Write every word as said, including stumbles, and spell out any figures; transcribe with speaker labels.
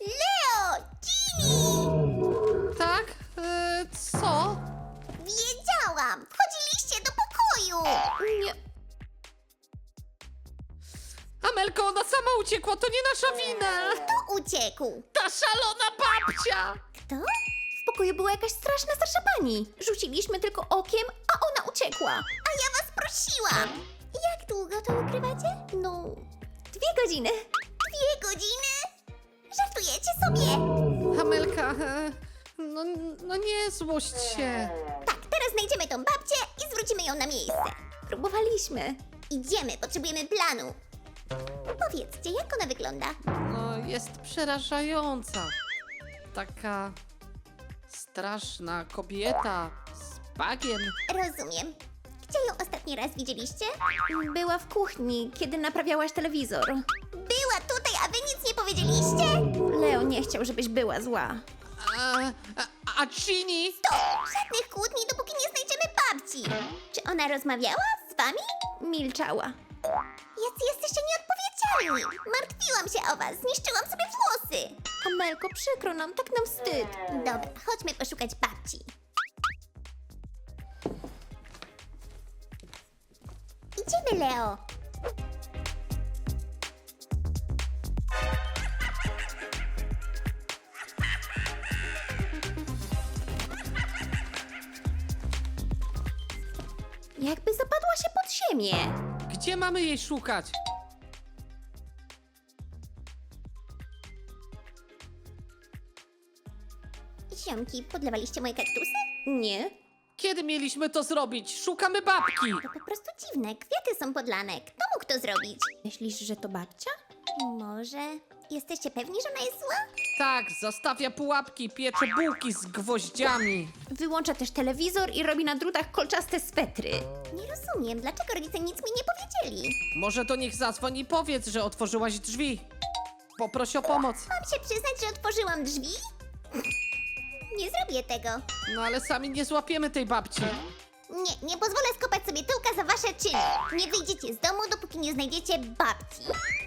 Speaker 1: Leo! Ginny!
Speaker 2: Tak? E, co?
Speaker 1: Wiedziałam! Wchodziliście do pokoju!
Speaker 2: Nie. Amelko, ona sama uciekła, to nie nasza wina!
Speaker 1: Kto uciekł?
Speaker 2: Ta szalona babcia!
Speaker 1: Kto?
Speaker 3: W pokoju była jakaś straszna starsza pani. Rzuciliśmy tylko okiem, a ona uciekła.
Speaker 1: A ja was prosiłam! Jak długo to ukrywacie?
Speaker 3: No, dwie godziny.
Speaker 1: Dwie godziny? Żartujecie sobie?
Speaker 2: Amelka, e, no, no nie złość się.
Speaker 1: Tak, teraz znajdziemy tą babcię i zwrócimy ją na miejsce.
Speaker 3: Próbowaliśmy.
Speaker 1: Idziemy, potrzebujemy planu. Powiedzcie, jak ona wygląda?
Speaker 2: No, jest przerażająca. Taka straszna kobieta z bagiem.
Speaker 1: Rozumiem. Gdzie ją ostatni raz widzieliście?
Speaker 3: Była w kuchni, kiedy naprawiałaś telewizor.
Speaker 1: Była tutaj, a wy nic nie powiedzieliście?
Speaker 3: Leo nie chciał, żebyś była zła.
Speaker 2: A, a, a Ginny?
Speaker 1: To żadnych kłótni, dopóki nie znajdziemy babci. Czy ona rozmawiała z wami?
Speaker 3: Milczała.
Speaker 1: Jacy jesteście nieodpowiedzialni. Martwiłam się o was, zniszczyłam sobie włosy.
Speaker 3: Amelko, przykro nam, tak nam wstyd.
Speaker 1: Dobra, chodźmy poszukać babci. Idziemy, Leo.
Speaker 3: Jakby zapadła się pod ziemię.
Speaker 2: Gdzie mamy jej szukać?
Speaker 1: Ziomki, podlewaliście moje kaktusy?
Speaker 3: Nie.
Speaker 2: Kiedy mieliśmy to zrobić? Szukamy babki!
Speaker 1: To po prostu dziwne, kwiaty są podlane. Kto mógł to zrobić?
Speaker 3: Myślisz, że to babcia?
Speaker 1: Może... Jesteście pewni, że ona jest zła?
Speaker 2: Tak, zastawia pułapki, piecze bułki z gwoździami.
Speaker 3: Wyłącza też telewizor i robi na drutach kolczaste swetry.
Speaker 1: Nie rozumiem, dlaczego rodzice nic mi nie powiedzieli.
Speaker 2: Może do nich zadzwoń i powiedz, że otworzyłaś drzwi. Poproś o pomoc.
Speaker 1: Mam się przyznać, że otworzyłam drzwi? Nie zrobię tego.
Speaker 2: No ale sami nie złapiemy tej babci.
Speaker 1: Nie, nie pozwolę skopać sobie tyłka za wasze czyny. Nie wyjdziecie z domu, dopóki nie znajdziecie babci.